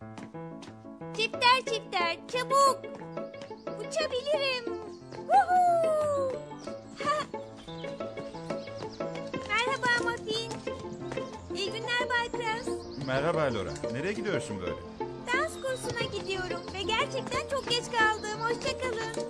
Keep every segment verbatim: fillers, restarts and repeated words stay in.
Çifter çifter çabuk. Uçabilirim. Woohoo! Ha! Merhaba Muffin. İyi günler Bay Kras. Merhaba Laura. Nereye gidiyorsun böyle? Dans kursuna gidiyorum ve gerçekten çok geç kaldım. Hoşça kalın.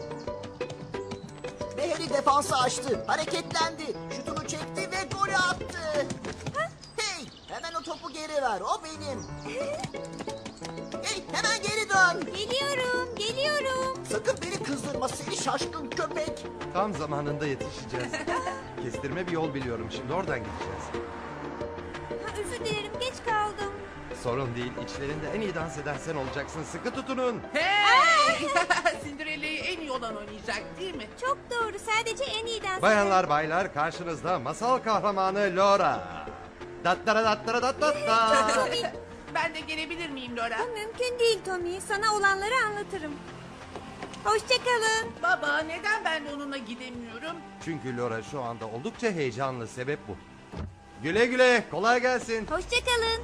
Beheri defansı açtı, hareketlendi, şutunu çekti ve golü attı. Hey, hemen o topu geri ver, o benim. Hey, hemen geri dön. Geliyorum, geliyorum. Sakın beni kızdırma seni şaşkın köpek. Tam zamanında yetişeceğiz. Kestirme bir yol biliyorum. Şimdi oradan gideceğiz. Ha, özür dilerim, geç kaldım. Sorun değil. İçlerinde en iyi dans eden sen olacaksın. Sıkı tutunun. Hey! Cinderella'yı en iyi olan oynayacak değil mi? Çok doğru, sadece en iyi dans Bayanlar baylar karşınızda masal kahramanı Laura. Dattara dattara dat dat da. Ben de gelebilir miyim Laura? Bu mümkün değil Tommy. Sana olanları anlatırım. Hoşça kalın. Baba neden ben de onunla gidemiyorum? Çünkü Laura şu anda oldukça heyecanlı. Sebep bu. Güle güle. Kolay gelsin. Hoşça kalın.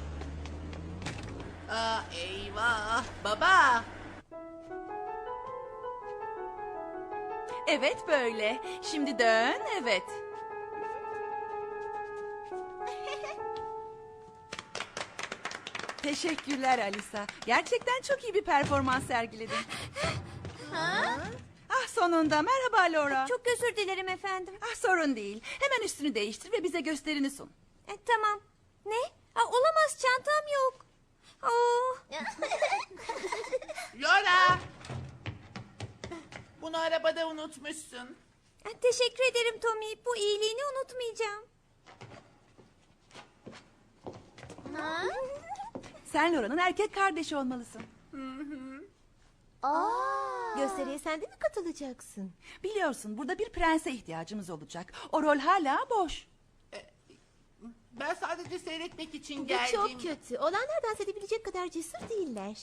Aa, eyvah. Baba. Evet böyle. Şimdi dön, evet. Teşekkürler Alisa. Gerçekten çok iyi bir performans sergiledin. Ah sonunda. Merhaba Laura. Çok özür dilerim efendim. Ah sorun değil. Hemen üstünü değiştir ve bize gösterini sun. E, tamam. Ne? Aa, olamaz, çantam yok. Oh. Laura. Bunu arabada unutmuşsun. E, teşekkür ederim Tommy. Bu iyiliğini unutmayacağım. Sen Laura'nın erkek kardeşi olmalısın. Gösteriye sen de mi katılacaksın? Biliyorsun burada bir prense ihtiyacımız olacak. O rol hala boş. Ben sadece seyretmek için Bu geldim. çok kötü. Olanlar dans edebilecek kadar cesur değiller.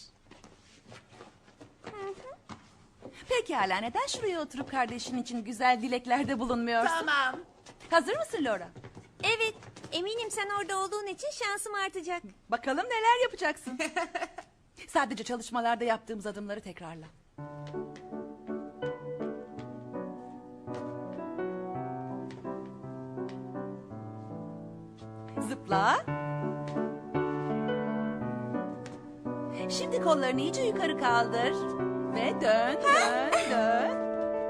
Pekala neden şuraya oturup kardeşin için güzel dileklerde bulunmuyorsun? Tamam. Hazır mısın Laura? Evet. Eminim sen orada olduğun için şansım artacak. Bakalım neler yapacaksın. Sadece çalışmalarda yaptığımız adımları tekrarla. Zıpla. Şimdi kollarını iyice yukarı kaldır. Ve dön, dön, dön.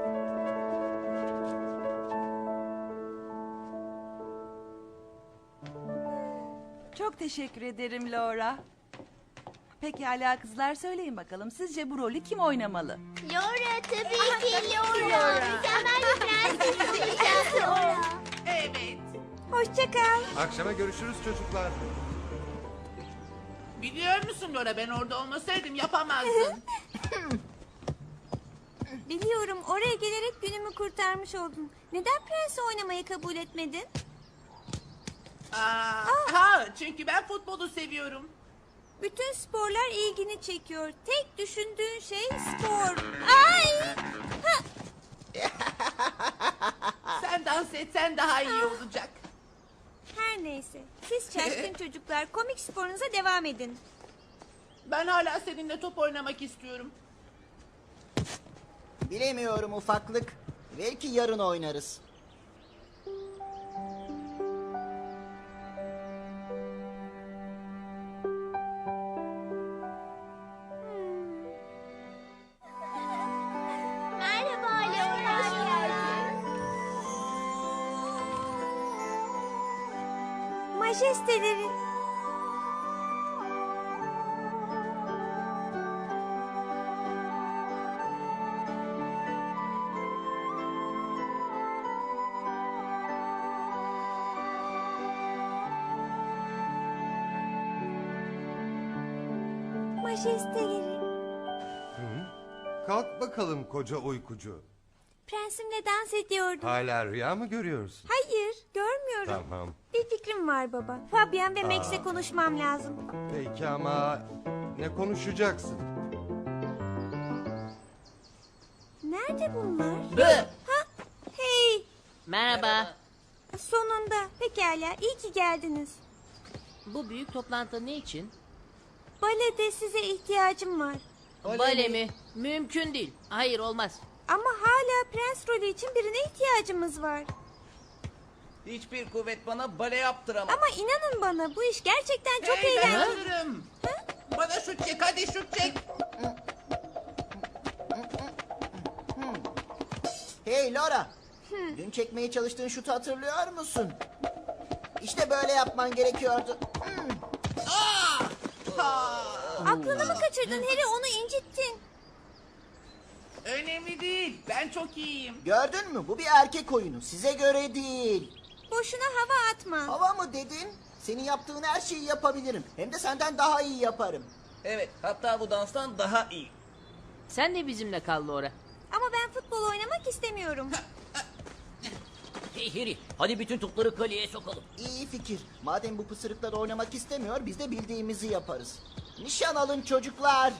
Çok teşekkür ederim Laura. Pekala kızlar söyleyin bakalım. Sizce bu rolü kim oynamalı? Laura tabii ki Laura. Mükemmel bir prenses. Laura. Evet. Hoşça kal. Akşama görüşürüz çocuklar. Biliyor musun Laura ben orada olmasaydım yapamazdın. Biliyorum, oraya gelerek günümü kurtarmış oldun. Neden prensi oynamayı kabul etmedin? Aa, ha, çünkü ben futbolu seviyorum. Bütün sporlar ilgini çekiyor. Tek düşündüğün şey spor. Ay! Sen dans etsen daha iyi olacak. Her neyse. Siz şaşkın çocuklar komik sporunuza devam edin. Ben hala seninle top oynamak istiyorum. Bilemiyorum ufaklık, belki yarın oynarız. Merhaba Laura. Majesteleri. Majesteleri. Kalk bakalım koca uykucu. Prensimle dans ediyordum. Hala rüya mı görüyorsun? Hayır, görmüyorum. Tamam. Bir fikrim var baba. Fabian ve Max'le Aa. konuşmam lazım. Peki ama ne konuşacaksın? Nerede bunlar? Bı. Ha, hey. Merhaba. Sonunda. Pekala, iyi ki geldiniz. Bu büyük toplantı ne için? balede size ihtiyacım var. Bale mi? Mümkün değil. Hayır olmaz. Ama hala prens rolü için birine ihtiyacımız var. Hiçbir kuvvet bana bale yaptıramaz. Ama inanın bana bu iş gerçekten çok Hey, ben eğlenceli. hazırım. Bana şut çek, hadi şut çek. Hey Laura. Dün çekmeye çalıştığın şutu hatırlıyor musun? İşte böyle yapman gerekiyordu. Hmm. Aklını mı kaçırdın Harry, onu incittin. Önemli değil, ben çok iyiyim. Gördün mü? Bu bir erkek oyunu. Size göre değil. Boşuna hava atma. Hava mı dedin? Senin yaptığın her şeyi yapabilirim. Hem de senden daha iyi yaparım. Evet, hatta bu danstan daha iyi. Sen de bizimle kal Laura. Ama ben futbol oynamak istemiyorum. Hey Harry, hadi bütün topları kaleye sokalım. İyi fikir. Madem bu pısırıklar oynamak istemiyor, biz de bildiğimizi yaparız. Nişan alın çocuklar.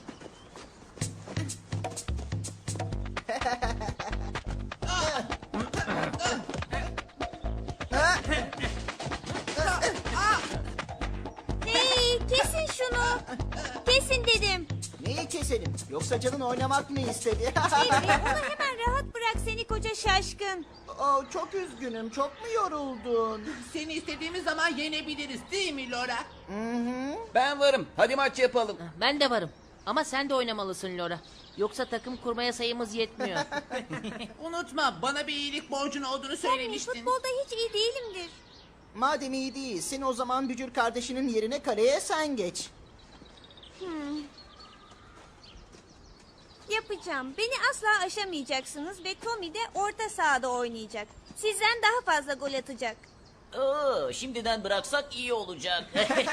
Hey, kesin şunu. Kesin dedim. Neyi keselim? Yoksa canın oynamak mı istedi? Harry, onu hemen rahat bırak seni koca şaşkın. Oh, çok üzgünüm. Çok mu yoruldun? Seni istediğimiz zaman yenebiliriz değil mi Laura? Ben varım, hadi maç yapalım. Ben de varım. Ama sen de oynamalısın Laura. Yoksa takım kurmaya sayımız yetmiyor. Unutma, bana bir iyilik borcun olduğunu Tommy, söylemiştin. futbolda hiç iyi değilimdir. Madem iyi değilsin, o zaman bücür kardeşinin yerine kaleye sen geç. Yapacağım. Beni asla aşamayacaksınız ve Tommy de orta sahada oynayacak. Sizden daha fazla gol atacak. Oo, şimdiden bıraksak iyi olacak.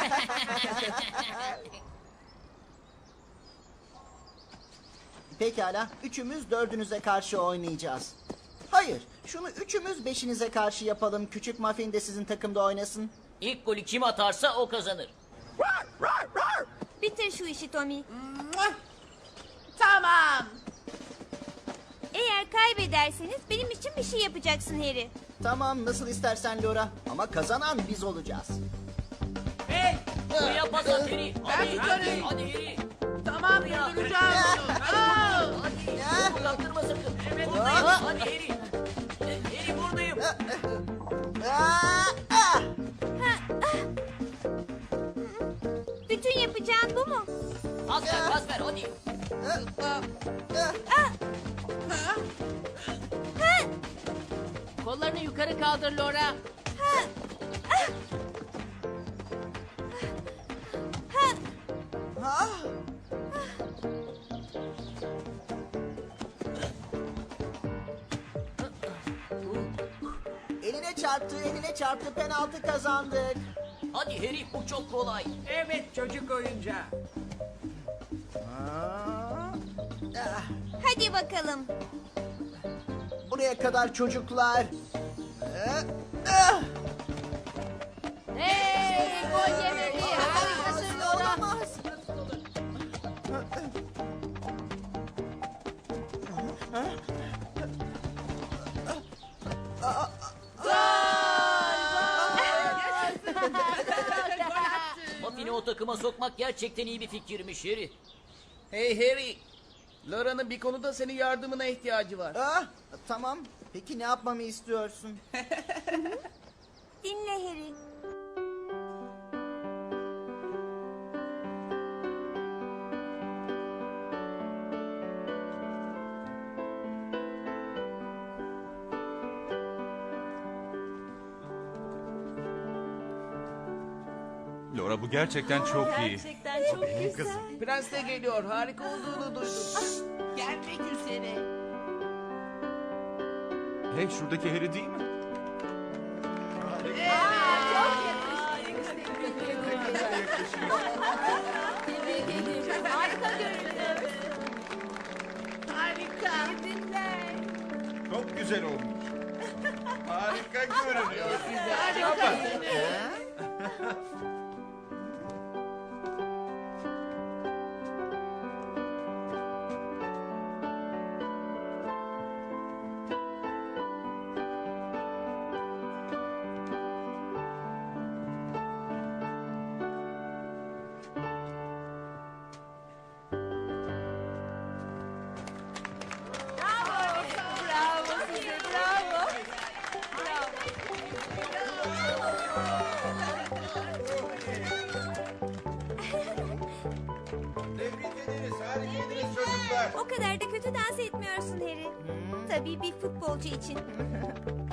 Pekala, üçümüz dördünüze karşı oynayacağız. Hayır, şunu üçümüz beşinize karşı yapalım. Küçük Muffin de sizin takımda oynasın. İlk golü kim atarsa o kazanır. Bitir şu işi Tommy. Muah! Tamam. Eğer kaybederseniz benim için bir şey yapacaksın Harry. Tamam, nasıl istersen Laura. Ama kazanan biz olacağız. Hey, Buraya pas at Harry. Hadi, tutarım. hadi, hadi Harry. tamam durduracağım bunu. Aa! Ya, Kaptırma sakın. Aa! Buradayım. Hadi Harry. Harry buradayım. aa, ah! Bütün yapacağın bu mu? Pas ver, pas ver hadi. Kollarını yukarı kaldır Laura. Eline çarptı, eline çarptı. Penaltı kazandık. Hadi Harry, bu çok kolay. Evet çocuk oyuncağı. Ah, Hadi bakalım. buraya kadar çocuklar. Ah, ah! Hey, gol yemedi. Harikasın Laura. Olamaz. Muffin'i o takıma sokmak gerçekten iyi bir fikirmiş Harry. Hey Harry, Laura'nın bir konuda senin yardımına ihtiyacı var. Ah, tamam. Peki ne yapmamı istiyorsun? Dinle Harry. Laura bu gerçekten çok iyi. Gerçekten çok güzel. Prens de geliyor, harika olduğunu duydum. Gelmek üzere. Hey, şuradaki Harry değil mi? Harika görünüyor. Harika. Çok güzel olmuş. Harika görünüyor. Tebrik ederiz. Harikaydınız çocuklar. O kadar da kötü dans etmiyorsun Harry. Tabii bir futbolcu için.